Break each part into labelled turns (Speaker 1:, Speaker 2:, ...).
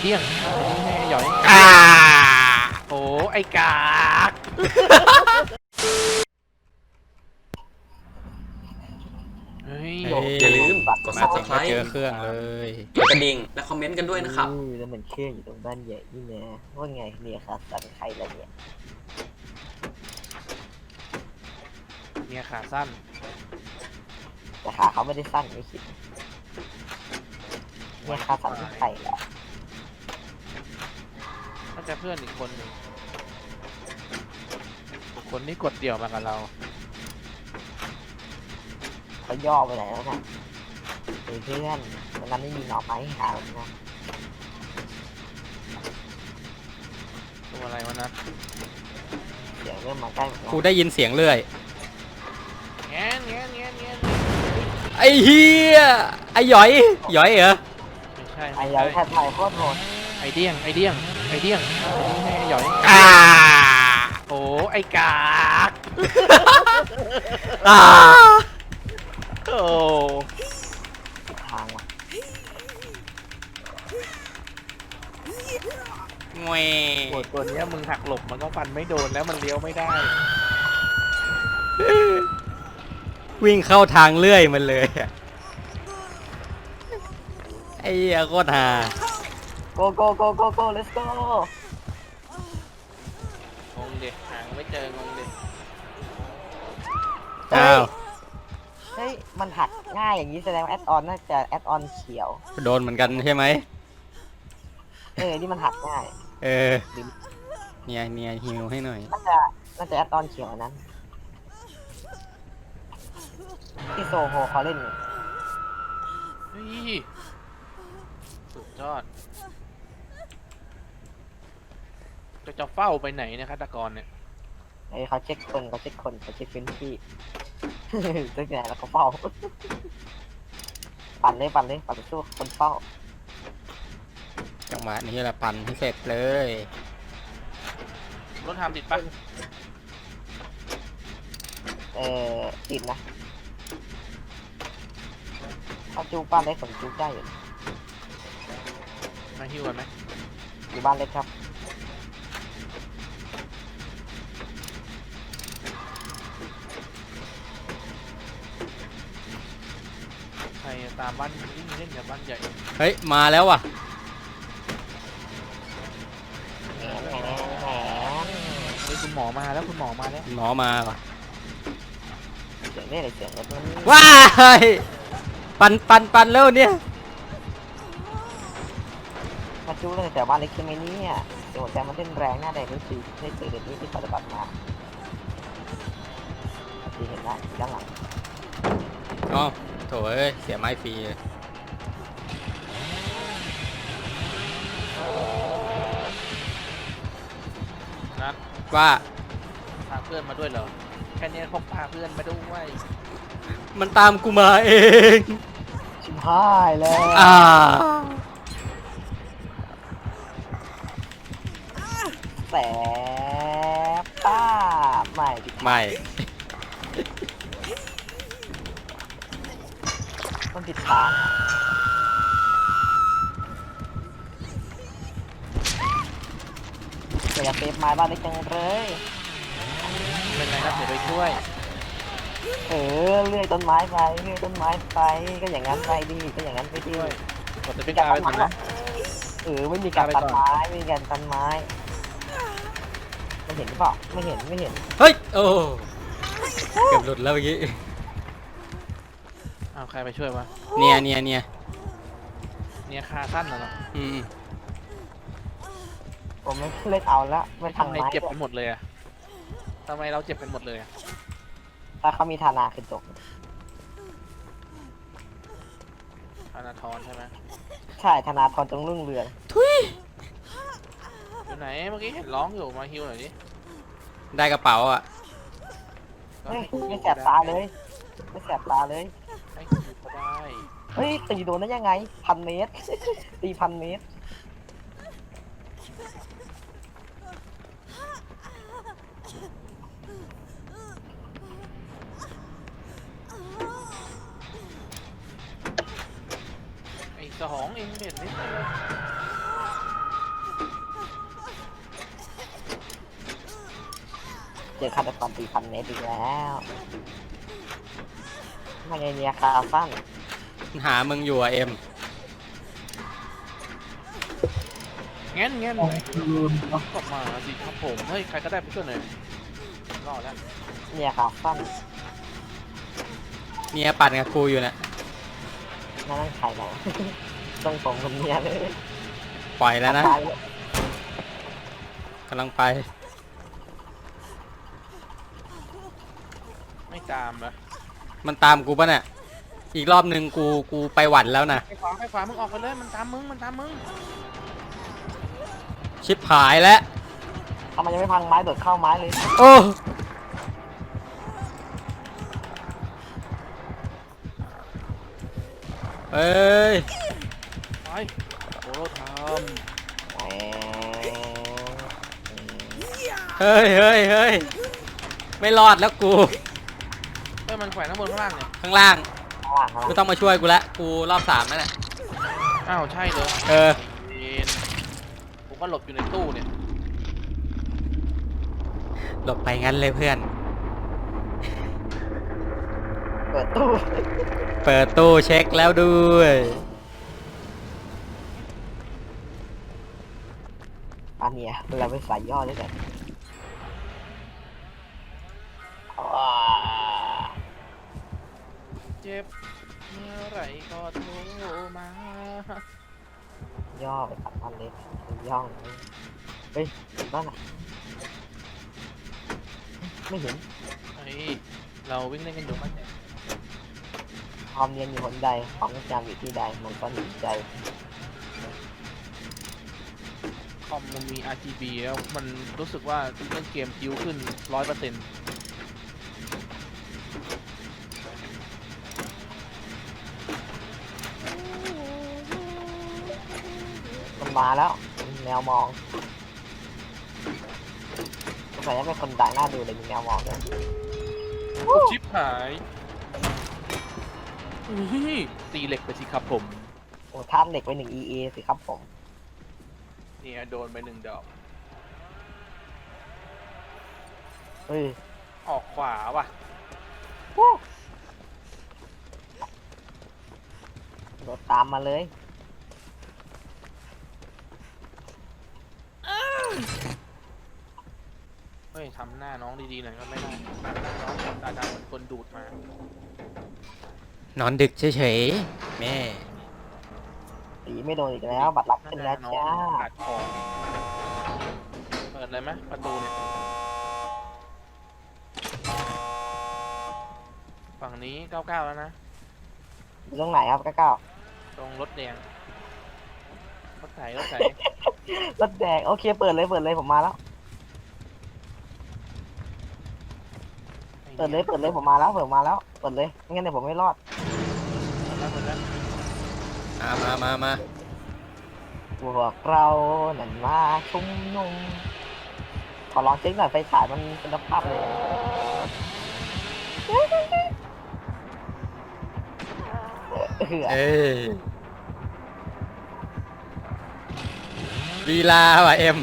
Speaker 1: เดี้ยงไอ้หย่อยโอ้ไอ้กากเฮ้ย
Speaker 2: อย่าลืมกด
Speaker 3: มาถึงก็
Speaker 2: Subscribe
Speaker 3: เจอเครื่องเลย
Speaker 2: กดกระดิ่งและคอมเมนต์กันด้วยนะครับ
Speaker 4: แล้วมันเครื่องอยู่ตรงบ้านใหญ่นี่นะว่าไงเนี่ยค่ะสันใครละเนี่ย
Speaker 1: เนี่ยขาสั้น
Speaker 4: แต่ขาเขาไม่ได้สั้นไม่คิดเนี่ยขาสันที่ใครละ
Speaker 1: น่าจะเพื่อนอีกคนหนึ่งคนนี้กดเดี่ยวมากับเรา
Speaker 4: เขาย่อไปไหนแล้วนะเฮ้ยเพื่อนวันนั้นไม่มีหน่อไม้ให้หาหรอกนะ
Speaker 1: ตัวอะไรวะนะ
Speaker 4: เดี๋ยวเริ่มมาใกล้หมดแล้ว
Speaker 3: กูได้ยินเสียงเรื่อย
Speaker 1: แง่แง่แง่แง่
Speaker 3: ไอ้เฮียไอ้หยอยหยอยเหรอ
Speaker 1: ไม่ใช่
Speaker 4: ไอ้
Speaker 1: ไม่
Speaker 4: ยั
Speaker 1: ใช่
Speaker 4: ยแทบไทยโคตรโหด
Speaker 1: ไอเดี้ยงไอเดี้ยงไอเดี้ยงไอ้หย่อยโอ้ไอ้กาก
Speaker 3: อ่า
Speaker 1: โอ้
Speaker 4: ผิดทางว่ะ
Speaker 3: แหว
Speaker 1: โหตัวเนี้ยมึงหักหลบมันก็ฟันไม่โดนแล้วมันเลี้ยวไม่ได้
Speaker 3: วิ่งเข้าทางเลื่อยมันเลยอะไอ้เหี้ยโคตรฮา
Speaker 4: โกโกโกโกโก let's go
Speaker 1: งงเด็กหางไม่เจองงเด็ก
Speaker 3: อ้าว
Speaker 4: เฮ้ยมันหักง่ายอย่างนี้แสดงว่าแอดออนน่าจะแอดออนเขียว
Speaker 3: โดนเหมือนกันใช่ไหม
Speaker 4: นี่มันหักง่าย
Speaker 3: เออเนี่ยฮิวให้หน่อย
Speaker 4: น่าจะแอดออนเขียวอันนั้นที่โซโฮเขาเล่นอยู่
Speaker 1: เฮ้ยสุดยอดจะเฝ้าไปไหนเนะฆาตกรเนี่ย
Speaker 4: ไอ้เขาเช็คคนเขาเช็คพื้นที่ ตั้งแต่แล้วเขาเฝ้า ปั่นเลยปั่นสู้คนเฝ้า
Speaker 3: จังหวะนี้แหละปั่นให้เสร็จเลย
Speaker 1: รถทำติดปะ
Speaker 4: ติดนะถ้าจูบ้านเล็กผมจูได้อยู่
Speaker 1: มาฮิวกันไหม
Speaker 4: อยู่บ้านเล็กครับ
Speaker 1: ใครตามบ้านวิ่งเล่นกับบ้านใหญ่
Speaker 3: เฮ้ยมาแล้วว่ะ
Speaker 4: แหม
Speaker 1: เฮ้ยคุณหมอมาแล้วคุณหมอมาแล้ว
Speaker 3: หมอมาว่ะ
Speaker 4: เสียงนี่อะไรเสียงรถมัน
Speaker 3: ว้ายปั่นแล้วเนี่ย
Speaker 4: ถ้าจูตั้งแต่บ้านเล็กใช่ไหมเนี่ยเดี๋ยวหัวใจมันเต้นแรงหน้าแดงนี่คือได้เจอเด็กนี้ที่ปฏิบัติมาที่เห็นได้ด้านหลัง
Speaker 3: อ๋อโถเอ้ยเสียไม้ฟรีเลย
Speaker 1: นัด
Speaker 3: ว่า
Speaker 1: พาเพื่อนมาด้วยเหรอแค่นี้พกพาเพื่อนมาด้วย
Speaker 3: มันตามกูมาเอง
Speaker 4: ชิบหายแล้ว
Speaker 3: อ่า
Speaker 4: แสบป้าไม่ผิด
Speaker 3: ไม่
Speaker 4: มันผิดทางเดี๋ยวจะเซฟไม้บ้านเล็กจังเลย
Speaker 1: เป็นไรครับเดี๋ยวไปช่วย
Speaker 4: เลื่อยต้นไม้ไปเลื่อยต้นไม้ไปก็อย่างนั้นไปดิก็อย่างนั้นไปดิ
Speaker 1: ช่วยกดจะเป็นกาไปถึงนะ
Speaker 4: ไม่มีการตัดไม้ไม่มีการตัดไม้ไม่เห็นหรือเปล่าไม่เห็น
Speaker 3: เฮ้ยโอ้เกือบหลุดแล้วเมื่อกี้
Speaker 1: เอาใครไปช่วยวะ
Speaker 3: เนี่ย
Speaker 1: เนี่ยคาสั้นเหรอ
Speaker 3: อืม
Speaker 4: ผมไม่เล่นเอาละไม่
Speaker 1: ทำ
Speaker 4: ทำ
Speaker 1: ไม
Speaker 4: ไม้
Speaker 1: เจ็บกันหมดเลยอะทำไมเราเจ็บกันหมดเลยอะ
Speaker 4: ถ้าเขามีธนาคือจบ
Speaker 1: ธนาธรใช่ไหม
Speaker 4: ใช่ธนาธรจงรุ่งเรือง
Speaker 1: อยู่ไหนเมื่อกี้เห็นร้องอยู่มาฮิวหน่อยดิ
Speaker 3: ได้กระเป๋าอ่ะ
Speaker 4: ไม่แสบตาเลยไม่แสบตาเลย
Speaker 1: ให้ฮิวก็ได้
Speaker 4: เฮ้ยตีโดนได้ยังไง1,000 เมตร ตี1,000 เมตร
Speaker 1: ไอ้สองเองเด็ดนิด
Speaker 4: เจอฆาตกร4,000 เมตรอีกแล้วไม่ไงเนี่ยคาสั้น
Speaker 3: หามึงอยู่อะเอ็ม
Speaker 1: งั้นกลับมาสิครับผมเฮ้ยใครก็ได้ไปช่วยหน่อยรอดแล้ว
Speaker 4: เนี่ยคาสั้น
Speaker 3: เนี่ยปั่นกับกูอยู่เนี่ย
Speaker 4: นั่นใครนะ ต้องผมคนเนี้ยเลย
Speaker 3: ปล่อยแล้วนะ
Speaker 4: ตายเลย
Speaker 3: กำลังไป
Speaker 1: ไม่ตามนะ
Speaker 3: มันตามกูปะเนี่ยอีกรอบหนึ่งกูไปหวั่นแล้วนะ
Speaker 1: ไปขวามึงออกไปเลยมันตามมึง
Speaker 3: ชิบหายแล้ว
Speaker 4: ทำไมยังไม่พังไม้โดดเข้าไม้เลย
Speaker 3: โอ้เอ้ย
Speaker 1: ไปโอโรท
Speaker 4: แหม
Speaker 3: เฮ้ยไม่รอดแล้วกู
Speaker 1: เฮ้ยมันแขวนข้างบนข้างล่างเนี่ย
Speaker 3: ข้างล่าง
Speaker 4: ข้างหลังข้างห
Speaker 3: ไม่
Speaker 4: ลัง
Speaker 3: ต้องมาช่วยกูละกูรอบ3แล้วเนี่ย
Speaker 1: อ้าวใช่เลย
Speaker 3: เออ
Speaker 1: เวนผมก็หลบอยู่ในตู้เนี่ย
Speaker 3: หลบไปงั้นเลยเพื่อน
Speaker 4: เปิดตู้
Speaker 3: เปิดตู้เช็คแล้วด้วย
Speaker 4: อันเนี้ยเราไปใส่ย่อด้วยกันอ่า
Speaker 1: เจ็บเมื่อไหรก็โทรมา
Speaker 4: ย่อไปตัดอันเล็กย่องเฮ้ยนั่นน่ะไม่เห็น
Speaker 1: เฮ้ยเราวิ่งเล่นกันอยู่มันเนี่ย
Speaker 4: ความเนียนอยู่หนใดของจำอยู่ที่ใดมันก็หนีใจ
Speaker 1: คอมมันมี RGB แล้วมันรู้สึกว่าเล่นเกมคิวขึ้น 100%
Speaker 4: มันมาแล้วแนวมองสงสัยจะเป็นคนดังหน้าดูเลยมีแนวมองด้วย
Speaker 1: ชิปหายอุ้ยตีเหล็กไปสิครับผม
Speaker 4: โอ้ท่ามเด็กไป1 EA สิครับผม
Speaker 1: เนี่ยโดนไป1 ดอก
Speaker 4: เฮ้ย
Speaker 1: ออกขวาว่ะ
Speaker 4: โดดตามมาเลย
Speaker 1: เฮ้ยทำหน้าน้องดีๆหน่อยก็ไม่ได้หน้าน้องตาดำเหมือนคนดูดมาน
Speaker 3: อนดึกเฉยๆแม่
Speaker 4: ตีไม่โดนอีกแล้วบัตรลัก
Speaker 1: ห
Speaker 4: ขึ้น
Speaker 1: น้า
Speaker 4: แล้ว
Speaker 1: น้อง
Speaker 4: จ้า
Speaker 1: กัดคอเปิดเลยไหมประตูเนี่ยฝั่งนี้99แล้วนะ
Speaker 4: อยู่ตรงไหนครับก้าว
Speaker 1: ตรงรถแดงรถไถ
Speaker 4: รถแดงโอเคเปิดเลยผมมาแล้วเปิดเลยผมมาแล้วเปิดเลยไม่งั้นเดี๋ยวผมไม่รอด
Speaker 1: เปิดแล้ว
Speaker 3: มา
Speaker 4: พวกเรานั่นมาชุมนุมขอลองเช็คหน่อยไฟฉายมันเป็นภาพเลย
Speaker 3: เอ้ยลีลาว่ะเอ็ม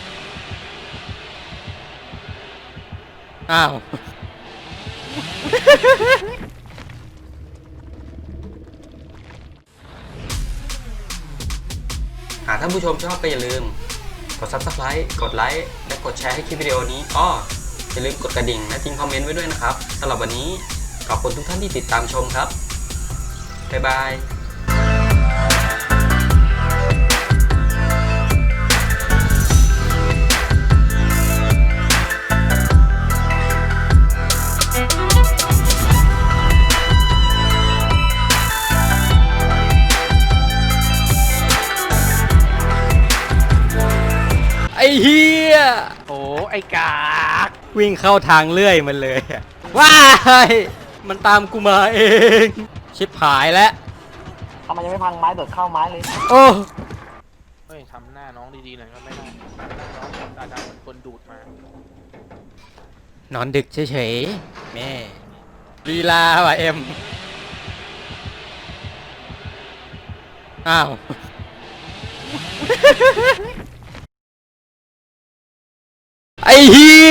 Speaker 3: อ้าว
Speaker 2: หากท่านผู้ชมชอบก็อย่าลืม กด Subscribe กดไลค์และกดแชร์ให้คลิปวิดีโอนี้อย่าลืมกดกระดิ่งและทิ้งคอมเมนต์ไว้ด้วยนะครับสำหรับวันนี้ขอบคุณทุกท่านที่ติดตามชมครับบ๊ายบาย
Speaker 3: ไอ้เฮีย
Speaker 1: โอ้ไอ้กาก
Speaker 3: วิ่งเข้าทางเลื่อยมันเลยอะว้าย มันตามกูมาเอง ชิบหายแล้ว
Speaker 4: ทำไมยังไม่พังไม้โดดเข้าไม้เลย
Speaker 3: โอ้
Speaker 1: เฮ้ยทำหน้าน้องดีๆหน่อยก็ไม่ได้หน้าน้องตาดำเหมือนคนดูดมาน
Speaker 3: อนดึกเฉยๆแม่ลีลาว่ะเอ็มอ้าว ไอ้เฮี